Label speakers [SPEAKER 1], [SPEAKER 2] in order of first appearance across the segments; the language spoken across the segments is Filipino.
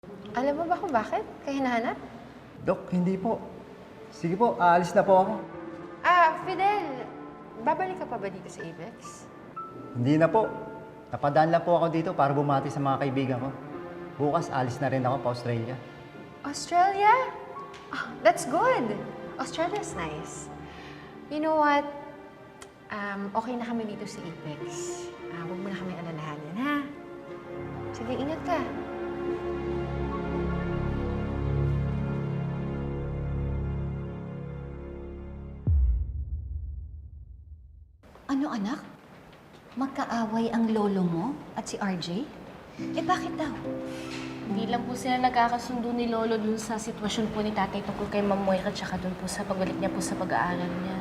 [SPEAKER 1] Alam mo ba kung bakit? Kaya hinahanap?
[SPEAKER 2] Dok, hindi po. Sige po, aalis na po ako.
[SPEAKER 1] Fidel, babalik ka pa ba dito sa Apex?
[SPEAKER 2] Hindi na po. Napadaan lang po ako dito para bumati sa mga kaibigan ko. Bukas, alis na rin ako pa Australia.
[SPEAKER 1] Australia? Oh, that's good. Australia's nice. You know what? Okay na kami dito sa Apex. Huwag mo na kami alalahanin, ha? Sige, ingat ka.
[SPEAKER 3] Ano anak? Magkaaway ang lolo mo at si RJ? Bakit daw?
[SPEAKER 4] Hindi lang po sila nagkakasundo ni Lolo dun sa sitwasyon po ni Tatay tungkol kay Ma'am Moira tsaka dun po sa pagbalik niya po sa pag-aaral niya.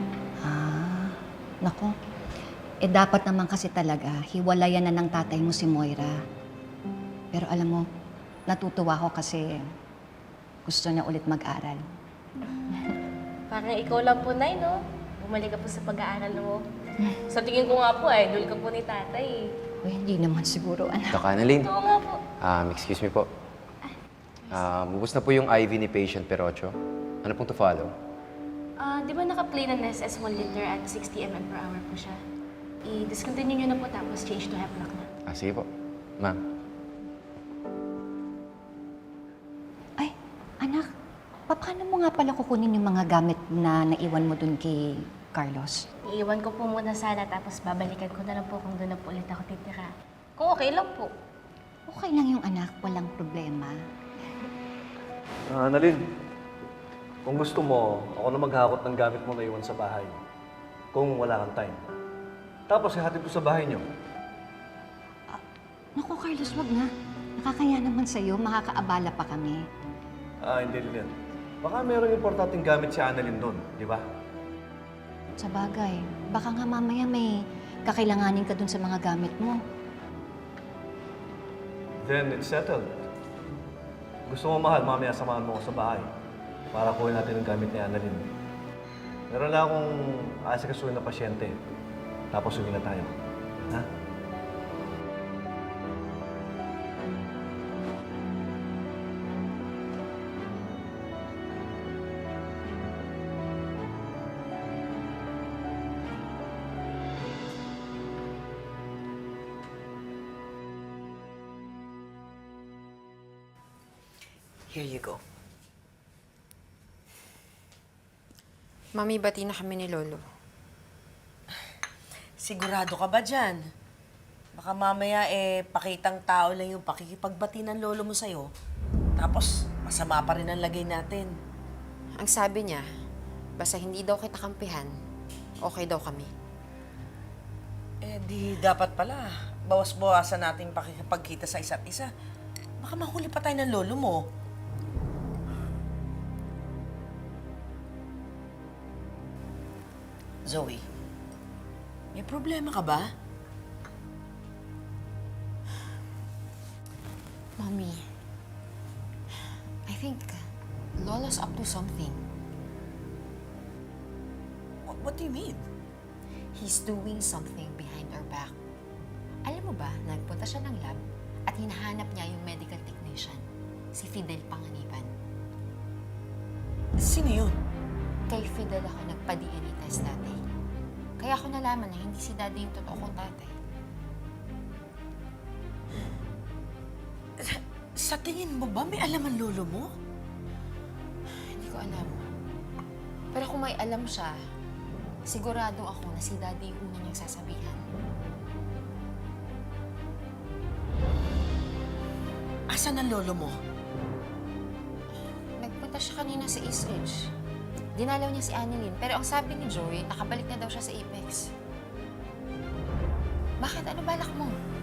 [SPEAKER 3] Naku. Dapat naman kasi talaga, hiwalayan na ng tatay mo si Moira. Pero alam mo, natutuwa ko kasi gusto niya ulit mag-aral.
[SPEAKER 4] Parang ikaw lang po, Nay, no? Bumalik ka po sa pag-aaral mo. Sa tingin ko nga po, idol ka po ni Tatay.
[SPEAKER 3] Uy, hindi naman siguro, anak.
[SPEAKER 5] Doc Annalyn,
[SPEAKER 4] Oo nga po.
[SPEAKER 5] excuse me po. Ubus na po yung IV ni patient Perocho. Ano pong to follow?
[SPEAKER 4] Di ba naka-play ng SS 1 liter at 60 ml per hour po siya? I-discontinue nyo na po tapos change to Hemlock na.
[SPEAKER 5] Sige po. Ma'am.
[SPEAKER 3] Ay, anak, paano mo nga pala kukunin yung mga gamit na naiwan mo dun kay Carlos?
[SPEAKER 4] Iiwan ko po muna sana tapos babalikan ko na lang po kung doon na po ulit ako titira. Kung okay lang po.
[SPEAKER 3] Okay lang yung anak, walang problema.
[SPEAKER 6] Annalyn, kung gusto mo, ako na maghakot ng gamit mo na iwan sa bahay. Kung wala kang time. Tapos ihatid ko sa bahay niyo.
[SPEAKER 3] Naku, Carlos, wag na. Nakakaya naman sa'yo, makakaabala pa kami.
[SPEAKER 6] Hindi Lilian. Baka meron importanteng gamit si Annalyn doon, di ba?
[SPEAKER 3] Sa bagay, baka nga mamaya may kakailanganin ka dun sa mga gamit mo.
[SPEAKER 6] Then it's settled. Gusto mo, mahal, mamaya samahan mo ako sa bahay para kuhin natin ang gamit ni Annalyn. Meron lang akong aasikasuhin na pasyente. Tapos uwi na tayo. Ha?
[SPEAKER 7] Here you go.
[SPEAKER 1] Mami, bati na kami ni Lolo.
[SPEAKER 7] Sigurado ka ba dyan? Baka mamaya pakitang tao lang yung pakikipagbati ng lolo mo sa'yo. Tapos, masama pa rin ang lagay natin.
[SPEAKER 1] Ang sabi niya, basta hindi daw kita kampihan, okay daw kami.
[SPEAKER 7] Di dapat pala. Bawas-bawasan natin pakikipagkita sa isa't isa. Baka mahuli pa tayo ng lolo mo. Zoe, may problema ka ba?
[SPEAKER 1] Mommy, I think Lolo's up to something.
[SPEAKER 7] What do you mean?
[SPEAKER 1] He's doing something behind our back. Alam mo ba, nagpunta siya ng lab at hinahanap niya yung medical technician, si Fidel Panganiban.
[SPEAKER 7] Sino yun?
[SPEAKER 1] Kay Fidel ako nagpa-DNA test dati. Kaya ako nalaman na hindi si Daddy yung totoo kong tatay.
[SPEAKER 7] Sa tingin mo ba may alam ang lolo mo?
[SPEAKER 1] Hindi ko alam. Pero kung may alam siya, sigurado ako na si Daddy yung una niyang sasabihan.
[SPEAKER 7] Asan ang lolo mo?
[SPEAKER 1] Nagpunta siya kanina sa East Ridge. Dinalaw niya si Annalyn, pero ang sabi ni Joey, nakabalik na daw siya sa Apex. Bakit? Ano balak mo?